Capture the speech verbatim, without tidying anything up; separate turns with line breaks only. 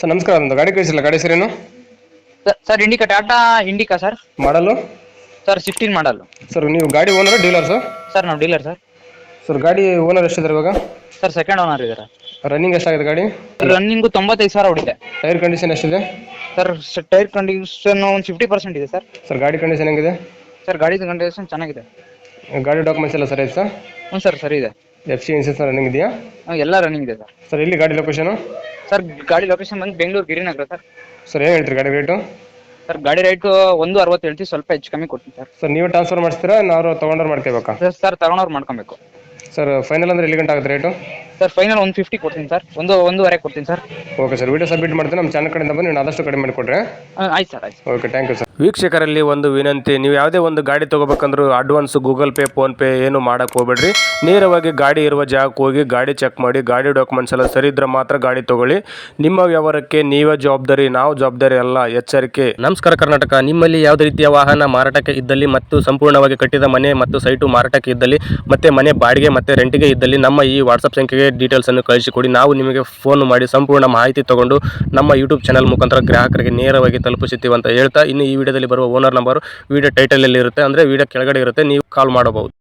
Sir ನಮಸ್ಕಾರ, ಒಂದು ಗಾಡಿ ಕಳಿಸಿಲ್ಲ, ಗಾಡಿ ಹೆಸರೇನು?
Sir Indica, Tata Indica sir.
Model
sir sixteen model.
Sir ನೀವು ಗಾಡಿ ಓನರ್ ಡೀಲರ್ ಸರ್?
ಸರ್ ನಾವು ಡೀಲರ್ ಸರ್.
ಸರ್ ಗಾಡಿ ಓನರ್ ಎಷ್ಟಿದ್ದಾರೆ ಇವಾಗ?
ಸರ್ ಸೆಕೆಂಡ್ ಓನರ್ ಇದ್ದಾರೆ.
ರನ್ನಿಂಗ್ ಎಷ್ಟಾಗಿದೆ ಗಾಡಿ?
ರನ್ನಿಂಗು ತೊಂಬತ್ತೈದು ಸಾವಿರ ಹೊಡಿದೆ.
ಟೈರ್ ಕಂಡೀಷನ್ ಎಷ್ಟಿದೆ?
ಸರ್ ಟೈರ್ ಕಂಡೀಷನ್ ಒಂದು ಫಿಫ್ಟಿ ಪರ್ಸೆಂಟ್ ಇದೆ ಸರ್.
ಸರ್ ಗಾಡಿ ಕಂಡೀಷನ್ ಹೆಂಗಿದೆ?
ಸರ್ ಗಾಡಿ ಕಂಡೀಷನ್ ಚೆನ್ನಾಗಿದೆ.
ಗಾಡಿ ಡಾಕ್ಯುಮೆಂಟ್ಸ್ ಎಲ್ಲ ಸರಿ ಇದೆ ಸರ್?
ಹ್ಞೂ ಸರ್ ಸರಿ ಇದೆ.
ಎಫ್ ಸಿ ಇನ್ಸೂರೆನ್ಸ್ ರನ್ನಿಂಗ್ ಇದೆಯಾ?
ಹ್ಮ್, ಎಲ್ಲ ರನ್ನಿಂಗ್ ಇದೆ ಸರ್.
ಸರ್ ಎಲ್ಲಿ ಗಾಡಿ ಲೊಕೇಶನು?
ಸರ್ ಗಾಡಿ ಲೊಕೇಶನ್ ಬಂದು ಬೆಂಗಳೂರು ಗಿರಿನಗರ ಸರ್.
ಸರ್ ಏನು ಹೇಳ್ತೀರಿ ಗಾಡಿ ರೇಟು?
ಸರ್ ಗಾಡಿ ರೇಟು ಒಂದು ಅರವತ್ತು ಹೇಳ್ತೀವಿ, ಸ್ವಲ್ಪ ಹೆಚ್ಚು ಕಮ್ಮಿ ಕೊಡ್ತೀನಿ ಸರ್.
ಸರ್ ನೀವೇ ಟ್ರಾನ್ಸ್ಫರ್ ಮಾಡಿಸ್ತೀರಾ, ನಾವು ತೊಗೊಂಡ್ರೆ ಮಾಡ್ಕೋಬೇಕಾ?
ಸರ್ ಸರ್ ತಗೊಂಡವ್ರು ಮಾಡ್ಕೊಬೇಕು.
ಸರ್ ಫೈನಲ್ ಅಂದರೆ ಎಲ್ಲಿ ಗಂಟೆ ಆಗುತ್ತೆ ರೇಟು?
ಸರ್ ಫೈನಲ್ ಒಂದು ಫಿಫ್ಟಿ ಕೊಡ್ತೀನಿ ಸರ್, ಒಂದು ಒಂದೂವರೆ ಕೊಡ್ತೀನಿ sir.
Okay sir, video submit ಮಾಡ್ತೀನಿ. ನಮ್ಮ ಚಾನಲ್ ಕಡೆಯಿಂದ ಬಂದು ನೀವು ಆದಷ್ಟು ಕಡಿಮೆ ಮಾಡಿಕೊಡ್ರಿ.
ಆಯ್ತು ಸರ್, ಆಯ್ತು.
Okay, thank you sir. ವೀಕ್ಷಕರಲ್ಲಿ ಒಂದು ವಿನಂತಿ, ನೀವು ಯಾವುದೇ ಒಂದು ಗಾಡಿ ತೊಗೋಬೇಕಂದ್ರೂ advance Google pay PhonePe ಏನು ಮಾಡೋಕ್ಕೆ ಹೋಗ್ಬೇಡ್ರಿ. ನೇರವಾಗಿ ಗಾಡಿ ಇರುವ ಜಾಗಕ್ಕೆ ಹೋಗಿ ಗಾಡಿ ಚೆಕ್ ಮಾಡಿ, ಗಾಡಿ ಡಾಕ್ಯುಮೆಂಟ್ಸ್ ಎಲ್ಲ ಸರಿ ಇದ್ರೆ ಮಾತ್ರ ಗಾಡಿ ತೊಗೊಳ್ಳಿ. ನಿಮ್ಮ ವ್ಯವಹಾರಕ್ಕೆ ನೀವೇ ಜವಾಬ್ದಾರಿ, ನಾವು ಜವಾಬ್ದಾರಿ ಅಲ್ಲ, ಎಚ್ಚರಿಕೆ.
ನಮಸ್ಕಾರ ಕರ್ನಾಟಕ. ನಿಮ್ಮಲ್ಲಿ ಯಾವುದೇ ರೀತಿಯ ವಾಹನ ಮಾರಾಟಕ್ಕೆ ಇದ್ದಲ್ಲಿ ಮತ್ತು ಸಂಪೂರ್ಣವಾಗಿ ಕಟ್ಟಿದ ಮನೆ ಮತ್ತು ಸೈಟು ಮಾರಾಟಕ್ಕೆ ಇದ್ದಲ್ಲಿ ಮತ್ತೆ ಮನೆ ಬಾಡಿಗೆ ಮತ್ತು ರೆಂಟಿಗೆ ಇದ್ದಲ್ಲಿ ನಮ್ಮ ಈ ವಾಟ್ಸಪ್ ಸಂಖ್ಯೆಗೆ ಡೀಟೇಲ್ಸನ್ನು ಕಳಿಸಿಕೊಡಿ. ನಾವು ನಿಮಗೆ ಫೋನ್ ಮಾಡಿ ಸಂಪೂರ್ಣ ಮಾಹಿತಿ ತಗೊಂಡು ನಮ್ಮ ಯೂಟ್ಯೂಬ್ ಚಾನಲ್ ಮುಖಾಂತರ ಗ್ರಾಹಕರಿಗೆ ನೇರವಾಗಿ ತಲುಪಿಸುತ್ತೀವಿ ಅಂತ ಹೇಳ್ತಾ, ಇನ್ನು ಈ ವಿಡಿಯೋದಲ್ಲಿ ಬರುವ ಓನರ್ ನಂಬರ್ ವಿಡಿಯೋ ಟೈಟಲಲ್ಲಿ ಇರುತ್ತೆ, ಅಂದರೆ ವಿಡಿಯೋ ಕೆಳಗಡೆ ಇರುತ್ತೆ, ನೀವು ಕಾಲ್ ಮಾಡಬಹುದು.